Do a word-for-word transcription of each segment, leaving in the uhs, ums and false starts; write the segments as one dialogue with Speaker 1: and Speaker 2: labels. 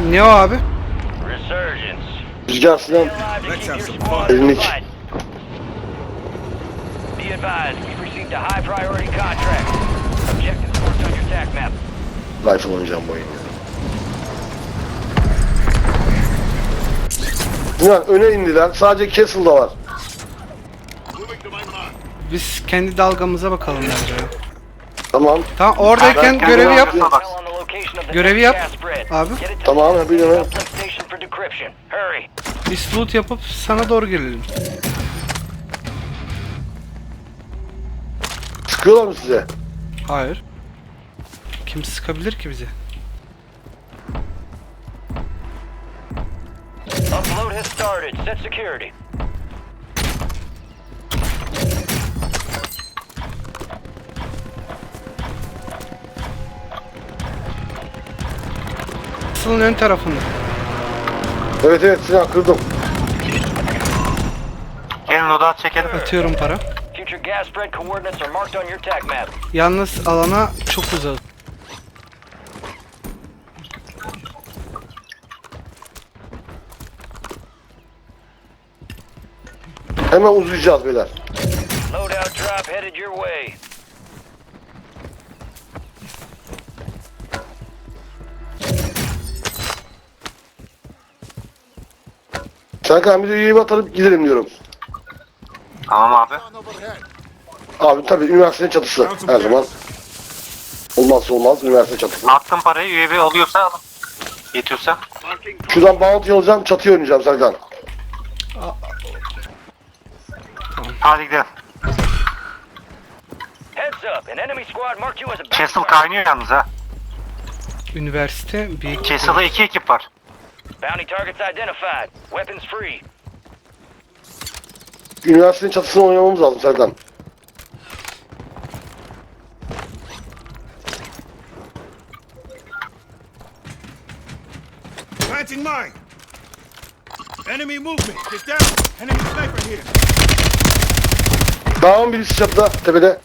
Speaker 1: Ne o abi?
Speaker 2: Rüzgar Sinan. Elini iç. Rifle oynayacağım bu oyunu. Sinan öne indiler. Sadece Castle'da var.
Speaker 1: Biz kendi dalgamıza bakalım bence.
Speaker 2: Tamam.
Speaker 1: Tamam oradayken
Speaker 2: Ben
Speaker 1: görevi yap.
Speaker 2: kendim
Speaker 1: Görevi yap abi.
Speaker 2: Tamam yapıyorum.
Speaker 1: Biz loot yapıp sana doğru gelelim.
Speaker 2: Sıkıyorlar mı size?
Speaker 1: Hayır. Kim sıkabilir ki bizi?
Speaker 3: Upload has started. Set security.
Speaker 1: Asılın ön tarafında.
Speaker 2: Evet evet Sinan kırdım.
Speaker 4: Gelin odağa çekelim.
Speaker 1: Atıyorum para.
Speaker 3: Future gas spread coordinates are marked on your tag map.
Speaker 1: Yalnız alana çok uzak.
Speaker 2: Hemen uzayacağız beyler.
Speaker 3: Loadout drop headed your way.
Speaker 2: Serkan bir de üyeyi atarıp gidelim diyorum.
Speaker 4: Tamam abi.
Speaker 2: Abi tabii üniversitenin çatısı her zaman. Olmazsa olmaz üniversite çatısı.
Speaker 4: Attım parayı. U A V alıyorsa alın. Yetiyorsa.
Speaker 2: Şuradan bounty alacağım çatıya oynayacağım Serkan.
Speaker 4: Hadi gidelim.
Speaker 3: Heads up, an enemy squad marked you as a
Speaker 4: Castle
Speaker 3: bounty
Speaker 4: kaynıyor yalnız ha.
Speaker 1: Üniversite bir
Speaker 4: Castle'da iki ekip var.
Speaker 3: Bounty targets identified. Weapons free.
Speaker 2: Üniversitenin çatısını oynamamız lazım Serkan.
Speaker 5: Planting mine. Enemy movement. Get down. Enemy sniper here.
Speaker 2: Dağın birisi çatıda tepede.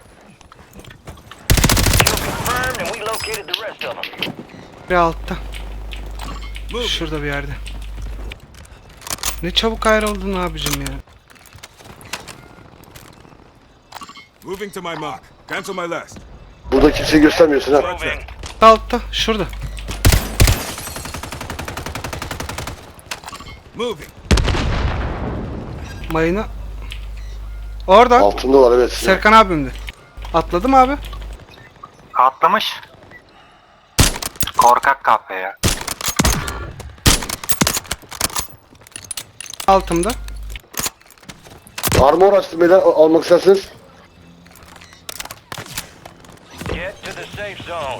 Speaker 3: Kill confirmed and we located the rest of them.
Speaker 1: bir altta.
Speaker 5: Move.
Speaker 1: Şurada bir yerde. Ne çabuk ayrıldın abicim ya.
Speaker 5: Moving to my mark. Cancel my last.
Speaker 2: Burada kimseyi göstermiyorsun ha.
Speaker 3: Moving.
Speaker 1: Altta şurada.
Speaker 5: Moving.
Speaker 1: Mayına. Orada.
Speaker 2: Altında var evet.
Speaker 1: Serkan abimdi. Atladım abi.
Speaker 4: Atlamış. Korkak kahpe ya.
Speaker 1: Altımda.
Speaker 2: Armor açtım beyler al- almak isterseniz.
Speaker 3: Get to the safe zone.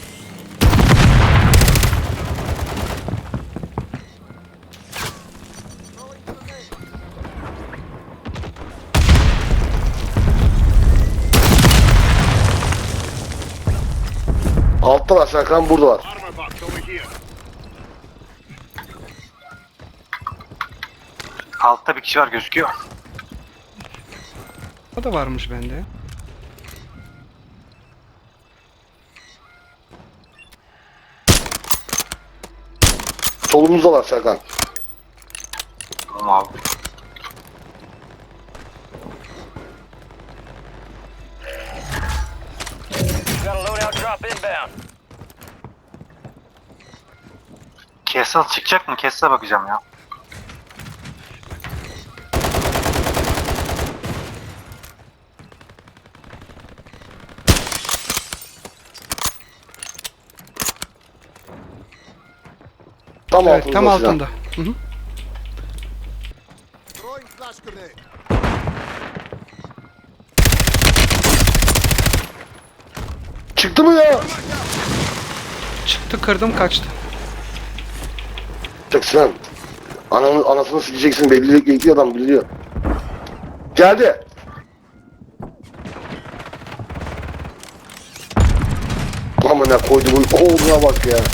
Speaker 2: Altta var Serkan burada var.
Speaker 5: Armor box over here.
Speaker 4: Altta bir kişi var gözüküyor.
Speaker 1: O da varmış bende.
Speaker 2: Solumuzda var Serkan.
Speaker 4: Tamam abi.
Speaker 3: Got a loadout drop inbound.
Speaker 4: Castle çıkacak mı? Castle'a bakacağım ya.
Speaker 2: Tam
Speaker 1: Evet
Speaker 2: altında.
Speaker 1: tam
Speaker 2: Sinan.
Speaker 1: altında. Hı hı.
Speaker 5: Throwing flash grenade.
Speaker 2: Çıktı mı ya?
Speaker 1: Çıktı kırdım kaçtı.
Speaker 2: Çek Sinan. Ananı, anasını sileceksin belli belli adam biliyor. Geldi. Amına koydu bunu oğluna bak ya.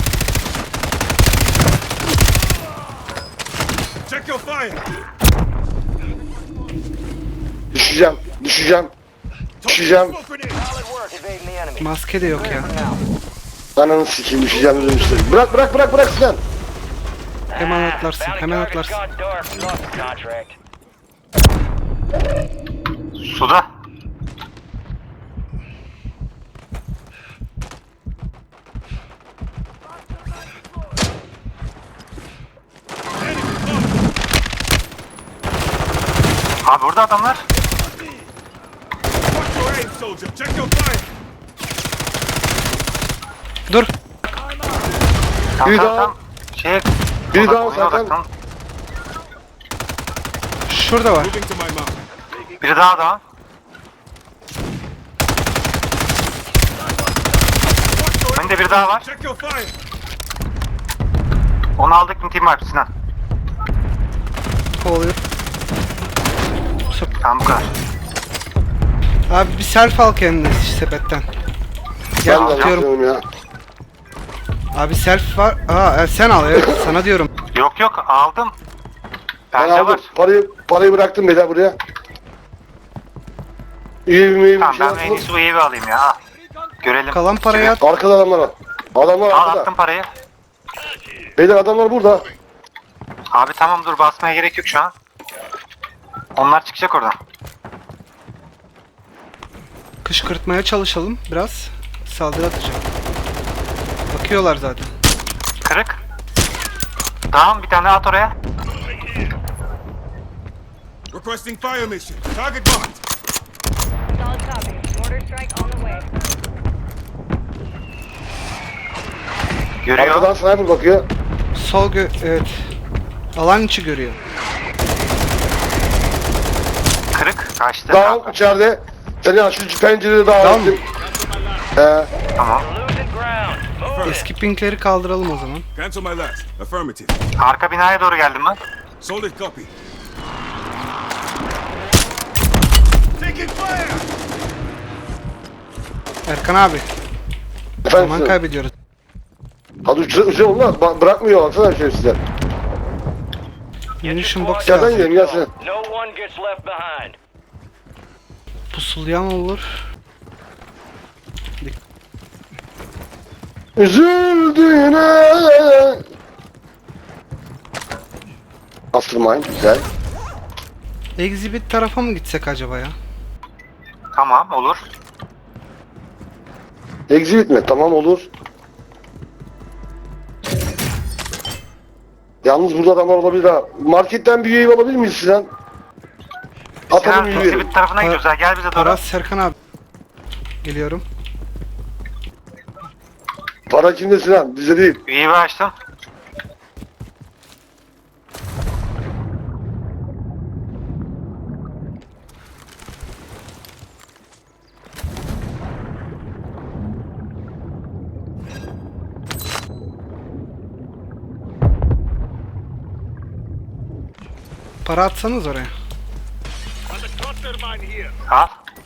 Speaker 5: Check your fire.
Speaker 2: Düşeceğim, düşeceğim, düşeceğim.
Speaker 5: Smoke grenade.
Speaker 3: Solid work evading the enemy.
Speaker 1: Maske de yok ya.
Speaker 3: Clear for now.
Speaker 2: Ananı sikeyim düşeceğim dedim işte. Bırak bırak bırak bırak Sinan.
Speaker 1: Hemen atlarsın,
Speaker 3: Bounty
Speaker 1: hemen
Speaker 3: target's
Speaker 1: atlarsın.
Speaker 3: gone dark. Lost the contract.
Speaker 4: Suda.
Speaker 5: Enemy close.
Speaker 4: Abi burada adamlar.
Speaker 5: Watch your aim, soldier. Check your fire.
Speaker 1: Dur.
Speaker 4: Tam
Speaker 2: Bir
Speaker 4: tam
Speaker 2: daha.
Speaker 4: tam. Şey.
Speaker 2: Bir
Speaker 4: odak-
Speaker 2: daha
Speaker 4: oyuna
Speaker 2: Serkan.
Speaker 4: odaklan.
Speaker 1: Şurada var.
Speaker 5: Moving to my mark.
Speaker 4: Biri daha daha.
Speaker 5: Watch your aim.
Speaker 4: Önde biri daha var.
Speaker 5: Check your fire.
Speaker 4: Onu aldık mı team wipe Sinan?
Speaker 1: Kovalıyor.
Speaker 4: Tamam bu kadar.
Speaker 1: Abi bir self al kendine sepetten. Gel
Speaker 2: Ben de
Speaker 1: atıyorum.
Speaker 2: atıyorum ya.
Speaker 1: Abi self var. Aa e, sen al evet sana diyorum.
Speaker 4: Yok yok aldım.
Speaker 2: Ben
Speaker 4: Bende
Speaker 2: aldım.
Speaker 4: var.
Speaker 2: Parayı, parayı bıraktım beyler buraya. İyi bir iyi bir
Speaker 4: Tamam
Speaker 2: şey
Speaker 4: ben en
Speaker 2: atalım.
Speaker 4: iyisi U A V alayım ya. Al. Görelim.
Speaker 1: Kalan parayı
Speaker 4: Sivil.
Speaker 1: at.
Speaker 2: Arkada adamlar var. Adamlar
Speaker 4: Al
Speaker 2: arkada.
Speaker 4: attım parayı.
Speaker 2: Beyler adamlar burada.
Speaker 4: Abi tamam dur basmaya gerek yok şu an. Onlar çıkacak oradan.
Speaker 1: Kışkırtmaya çalışalım biraz. Saldırı atacağım. Bakıyorlar zaten.
Speaker 4: Kırık. Tamam bir tane at oraya.
Speaker 5: Requesting fire mission. Target marked.
Speaker 6: Solid copy. Mortar strike on the way.
Speaker 4: Görüyor.
Speaker 2: Arkadan sniper bakıyor.
Speaker 1: Sol gö evet. Alan içi görüyor.
Speaker 4: Kırık. Kaçtı.
Speaker 2: Down içeride. Seni ya şu pencerede daha
Speaker 1: Down.
Speaker 2: ettim. Ee,
Speaker 4: Tamam.
Speaker 3: Losing ground. Move it.
Speaker 1: Eski pinkleri kaldıralım o zaman.
Speaker 5: Cancel my last. Affirmative.
Speaker 4: Arka binaya doğru geldim ben.
Speaker 5: Solid copy. Taking fire.
Speaker 1: Erkan abi.
Speaker 2: efendim.
Speaker 1: Zaman kaybediyoruz.
Speaker 2: Hadi uçur, uçur onlar. Ba- bırakmıyor baksana şerefsizler.
Speaker 1: Munition box
Speaker 2: Yerden
Speaker 1: lazım.
Speaker 2: gidelim gelsin.
Speaker 3: No one gets left behind.
Speaker 1: Pusulayan olur.
Speaker 2: Üzüldüğüne. Mastermind güzel.
Speaker 1: Exhibit tarafa mı gitsek acaba ya?
Speaker 4: Tamam olur.
Speaker 2: Exhibit mi? Tamam olur. Yalnız burada adamlar olabilir ha. Marketten bir üye alabilir miyiz Sinan? Atalım
Speaker 4: Sinan
Speaker 2: üyeyi.
Speaker 4: exhibit tarafına gidiyoruz ha. Gel bize doğru.
Speaker 1: Paras Serkan abi. Geliyorum.
Speaker 2: Para kimde Sinan? Bizde değil.
Speaker 4: U A V açtım.
Speaker 1: Para atsanız oraya.
Speaker 4: Al.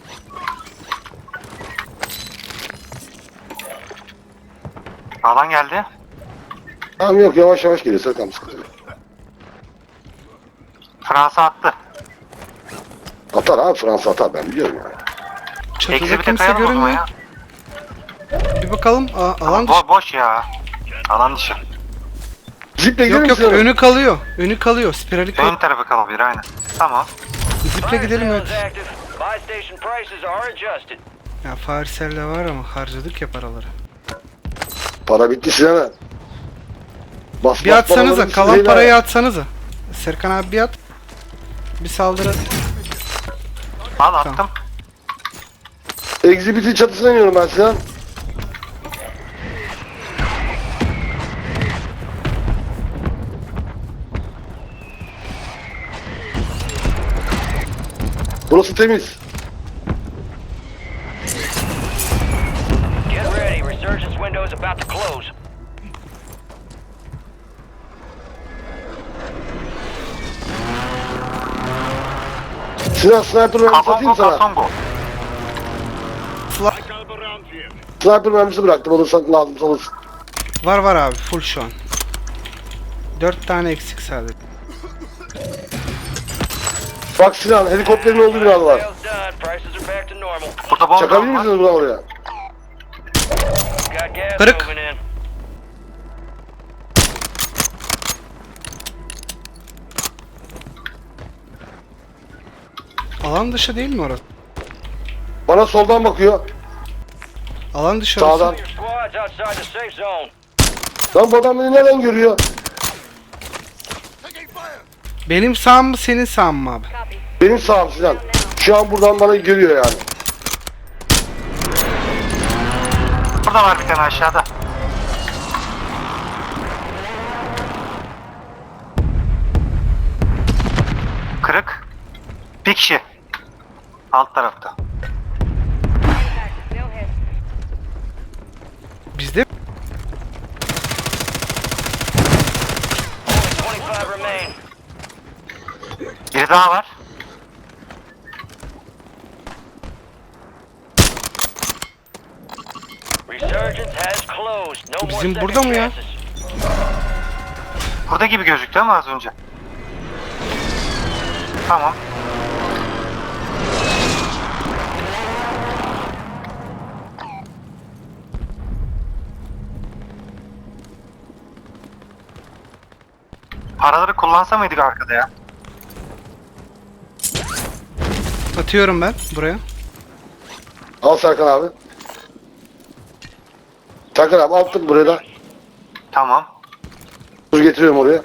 Speaker 4: Alan geldi.
Speaker 2: Tamam yok yavaş yavaş geliyor Serkan sıkıntı yok.
Speaker 4: Fransa attı.
Speaker 2: Atar abi Fransa atar ben biliyorum yani.
Speaker 1: Çatıda
Speaker 4: Exhibit'e
Speaker 1: kimse
Speaker 4: kayalım o zaman
Speaker 1: görünmüyor.
Speaker 4: ya.
Speaker 1: Bir bakalım. Aa, alan dışı.
Speaker 4: Bo boş ya. Alan dışı.
Speaker 2: Ziple gidelim
Speaker 1: Yok yok
Speaker 2: Sinan.
Speaker 1: önü kalıyor. Önü kalıyor. Spirali
Speaker 4: Ön
Speaker 1: kalıyor.
Speaker 4: tarafı kalabilir aynen. Tamam.
Speaker 1: Ziple
Speaker 3: Fire
Speaker 1: gidelim
Speaker 3: sale
Speaker 1: evet.
Speaker 3: is active. Buy station prices are adjusted.
Speaker 1: Ya Farisel de var ama harcadık ya paraları.
Speaker 2: Para bitti Sinan'a. Bas,
Speaker 1: Bir
Speaker 2: bas,
Speaker 1: atsanıza.
Speaker 2: paraları
Speaker 1: Kalan
Speaker 2: Sinan'a.
Speaker 1: parayı atsanıza. Serkan abi bir at. Bir saldırı.
Speaker 4: Al attım.
Speaker 1: Tamam.
Speaker 2: Exhibit'in çatısına iniyorum ben Sinan. Burası temiz.
Speaker 3: Get ready. Resurgence window is about to close.
Speaker 2: Sinan sniper mermisi atayım
Speaker 4: Kasongo
Speaker 2: sana.
Speaker 4: kasongo.
Speaker 2: Sniper mermisi bıraktım olursan lazım olursun.
Speaker 1: Var var abi full şu an. Dört tane eksik sadece.
Speaker 2: Bak Sinan helikopterin olduğu binada var.
Speaker 3: Sales done. Prices are back to normal.
Speaker 4: Burada bomba
Speaker 2: Çakabilir
Speaker 4: var.
Speaker 2: misiniz buradan oraya?
Speaker 3: Got gas
Speaker 1: Kırık.
Speaker 3: moving in.
Speaker 1: Alan dışı değil mi orası?
Speaker 2: Bana soldan bakıyor.
Speaker 1: Alan dışı
Speaker 2: Sağdan.
Speaker 1: orası.
Speaker 3: Your squad's outside the safe zone.
Speaker 2: Lan bu adam beni nereden görüyor?
Speaker 1: Benim sağım mı senin sağın mı abi?
Speaker 6: Copy.
Speaker 2: Benim sağım Sinan. Şu an buradan bana görüyor yani.
Speaker 4: Burada var bir tane aşağıda. Kırık. Bir kişi. Alt tarafta.
Speaker 6: Impact. No hit.
Speaker 1: Bizde
Speaker 3: Only twenty-five remain.
Speaker 4: Biri daha var.
Speaker 3: Resurgence has closed. No more
Speaker 1: Bizim
Speaker 3: second
Speaker 1: burada mı ya?
Speaker 3: chances.
Speaker 4: Burada gibi gözüktü ama az önce. Tamam. Paraları kullansa mıydık arkada ya?
Speaker 1: atıyorum ben buraya.
Speaker 2: Al Serkan abi. Serkan abi attım buraya da.
Speaker 4: Tamam.
Speaker 2: Dur getiriyorum oraya.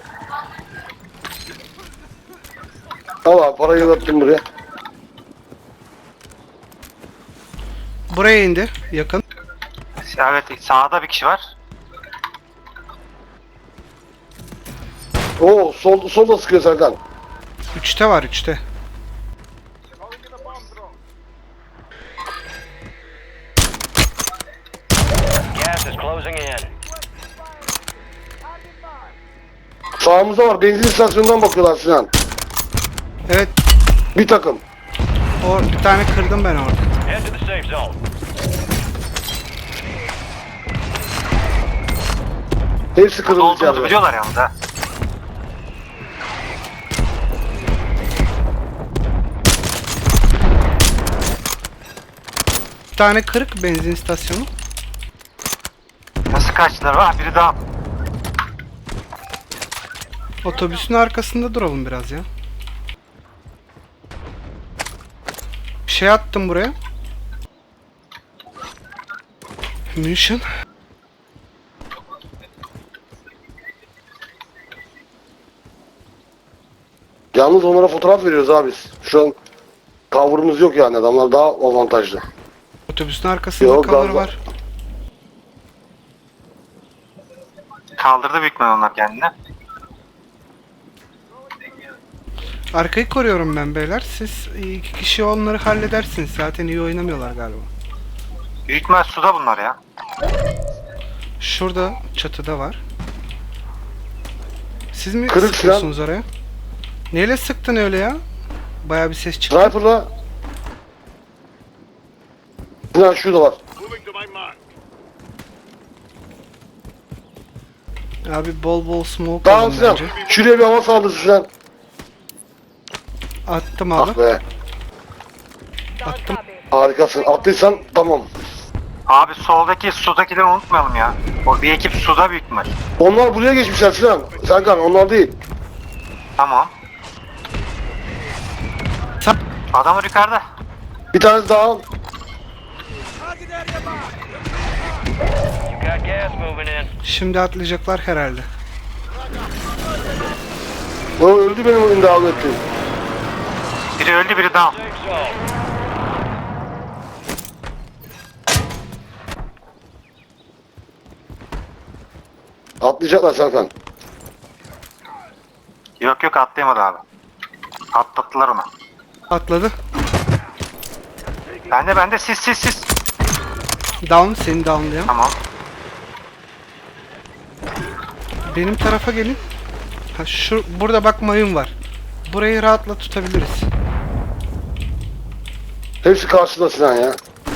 Speaker 2: Al abi parayı da attım buraya.
Speaker 1: Buraya indi yakın.
Speaker 4: Evet, sağda bir kişi var.
Speaker 2: Oo sol, solda sıkıyor Serkan.
Speaker 1: Üçte var üçte.
Speaker 3: Gas is closing in.
Speaker 2: Sağımızda var. Benzin istasyonundan bakıyorlar Sinan.
Speaker 1: Evet,
Speaker 2: Bir takım.
Speaker 1: o bir tane kırdım ben orada.
Speaker 3: Head to the safe zone.
Speaker 2: Hepsi
Speaker 4: Burada
Speaker 2: kırıldı
Speaker 4: olduğumuzu
Speaker 2: içeride.
Speaker 4: biliyorlar yalnız ha.
Speaker 1: Bir tane kırık benzin istasyonu.
Speaker 4: Nasıl kaçtılar? Var biri daha.
Speaker 1: Otobüsün arkasında duralım biraz ya. Bir şey attım buraya. Munition.
Speaker 2: Yalnız onlara fotoğraf veriyoruz abi biz. Şu an cover'ımız yok yani. Adamlar daha avantajlı.
Speaker 1: Otobüsün arkasında
Speaker 2: Yok,
Speaker 1: cover
Speaker 2: galiba.
Speaker 1: var.
Speaker 4: Kaldırdı büyük ihtimalle onlar kendini.
Speaker 1: Arkayı koruyorum ben beyler. Siz iki kişi onları halledersiniz. Zaten iyi oynamıyorlar galiba.
Speaker 4: Büyük ihtimal suda bunlar ya.
Speaker 1: Şurada çatıda var. Siz mi
Speaker 2: Kırık
Speaker 1: sıkıyorsunuz oraya? Neyle sıktın öyle ya? Baya bir ses çıktı.
Speaker 2: Sniper'da Sinan şurada var.
Speaker 5: Moving to my mark.
Speaker 1: Abi bol bol smoke
Speaker 2: Tamam
Speaker 1: alın
Speaker 2: Sinan.
Speaker 1: bence.
Speaker 2: Şuraya bir hava saldırısı Sinan.
Speaker 1: Attım abi.
Speaker 2: Ah be.
Speaker 6: Solid
Speaker 1: Attım.
Speaker 6: copy.
Speaker 2: Harikasın. Attıysan tamam.
Speaker 4: Abi soldaki sudakileri unutmayalım ya. O bir ekip suda büyük ihtimal.
Speaker 2: Onlar buraya geçmişler Sinan. Serkan onlar değil.
Speaker 4: Tamam.
Speaker 1: Sa-
Speaker 4: Adamlar yukarıda.
Speaker 2: Bir tanesi daha.
Speaker 3: You got gas moving in.
Speaker 1: Şimdi atlayacaklar herhalde.
Speaker 2: O öldü benim önümde davet ettiğim.
Speaker 4: Biri öldü biri down.
Speaker 3: Safe zone.
Speaker 2: Atlayacaklar Serkan.
Speaker 4: Yok yok atlayamadı abi. Atlattılar onu.
Speaker 1: Atladı.
Speaker 4: Bende bende sis sis sis.
Speaker 1: Down, seni downlayan.
Speaker 4: Tamam.
Speaker 1: Benim tarafa gelin. Ha, şu burada bak mayın var. Burayı rahatla tutabiliriz.
Speaker 2: Hepsi karşıda Sinan ya.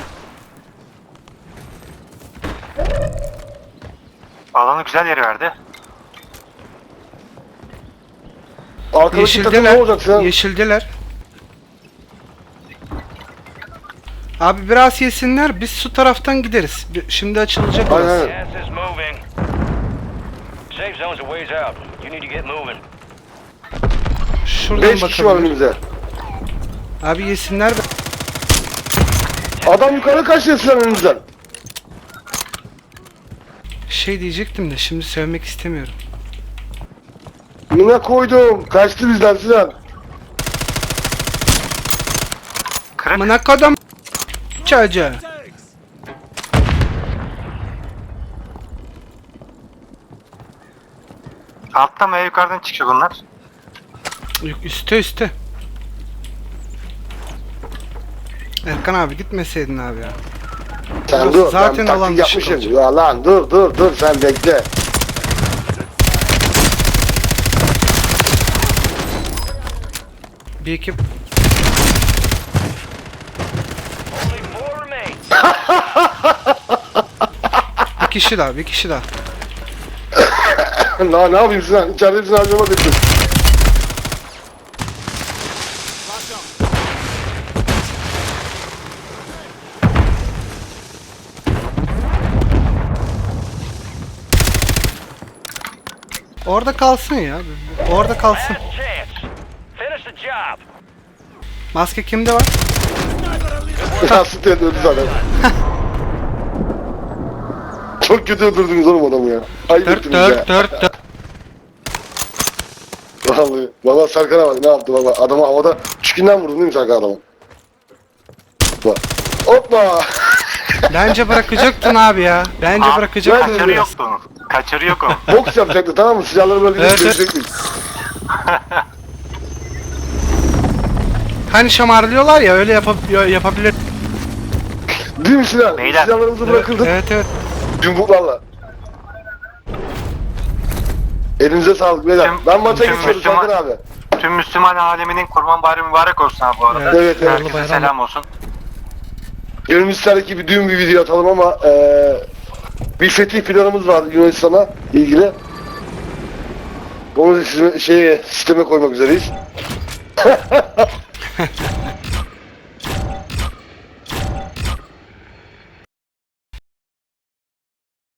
Speaker 4: Alanı güzel yeri verdi.
Speaker 2: Arkadaki takım ne
Speaker 1: Yeşildeler.
Speaker 2: olacak Sinan?
Speaker 1: Yeşildeler. Abi biraz yesinler. Biz su taraftan gideriz. Bir- Şimdi açılacak
Speaker 2: Aynen
Speaker 1: orası.
Speaker 2: aynen.
Speaker 3: Gas is moving. Safe zone's a ways out. You need to get moving.
Speaker 1: Şuradan
Speaker 2: Beş kişi var
Speaker 1: bakabilir.
Speaker 2: önümüzde.
Speaker 1: Abi yesinler be.
Speaker 2: Adam yukarı kaçtı sizden önünüzden.
Speaker 1: Şey diyecektim de şimdi söylemek istemiyorum.
Speaker 2: Buna koydum. Kaçtı bizden Sinan.
Speaker 4: Kırık.
Speaker 1: Amına kodum çocuğu.
Speaker 4: Altta mı yukarıdan çıkıyor bunlar?
Speaker 1: Üste üste. Erkan abi gitmeseydin abi ya.
Speaker 2: Sen
Speaker 1: Burası
Speaker 2: dur.
Speaker 1: zaten
Speaker 2: ben bir
Speaker 1: alan
Speaker 2: taktik
Speaker 1: dışı
Speaker 2: yapmışım.
Speaker 1: kalacak.
Speaker 2: Ya lan dur dur dur sen bekle.
Speaker 1: Bir ekip
Speaker 3: Only four remain.
Speaker 1: bir kişi daha bir kişi daha.
Speaker 2: ne, ne yapayım Sinan? İçeride hepsini harcama bekle.
Speaker 1: Orada kalsın ya. Orada kalsın.
Speaker 3: Last chance. Finish the job.
Speaker 1: Maske kimde var?
Speaker 2: Ya süt öldü zaten. Çok kötü öldürdünüz oğlum adamı ya. Ayıp
Speaker 1: Dört
Speaker 2: ettiniz ya.
Speaker 1: dört dört dört.
Speaker 2: Vallahi. Valla Serkan'a bak ne yaptı baba. Adamı havada çükünden vurdun değil mi Serkan adamı? Bak. Hoppa.
Speaker 1: Bence bırakacaktın abi ya. Bence
Speaker 4: Abi,
Speaker 1: bırakacaktın.
Speaker 2: ben-
Speaker 4: Kaçarı yoktu onun. Kaçarı yok onun.
Speaker 2: Boks yapacaktı tamam mı? Silahları böyle
Speaker 1: Evet,
Speaker 2: evet,
Speaker 1: evet. Hani şamarlıyorlar ya öyle yapab- yapabilir.
Speaker 2: Değil mi Sinan?
Speaker 4: Beyler.
Speaker 2: Silahlarımızı bırakırdık.
Speaker 1: Evet evet.
Speaker 2: Yumruklarla. Elinize sağlık beyler.
Speaker 4: Tüm-
Speaker 2: Ben maça
Speaker 4: tüm
Speaker 2: geçiyorum
Speaker 4: Müslüman-
Speaker 2: Serkan abi.
Speaker 4: Tüm Müslüman aleminin kurban bayramı mübarek olsun abi bu arada.
Speaker 1: Evet,
Speaker 2: evet, evet.
Speaker 4: Herkese
Speaker 1: Bayram.
Speaker 4: selam olsun.
Speaker 2: Gönül ister ki bir düğün bir video atalım ama eee bir fetih planımız var Yunanistan'a ilgili. Onu da size, şeye, sisteme koymak üzereyiz.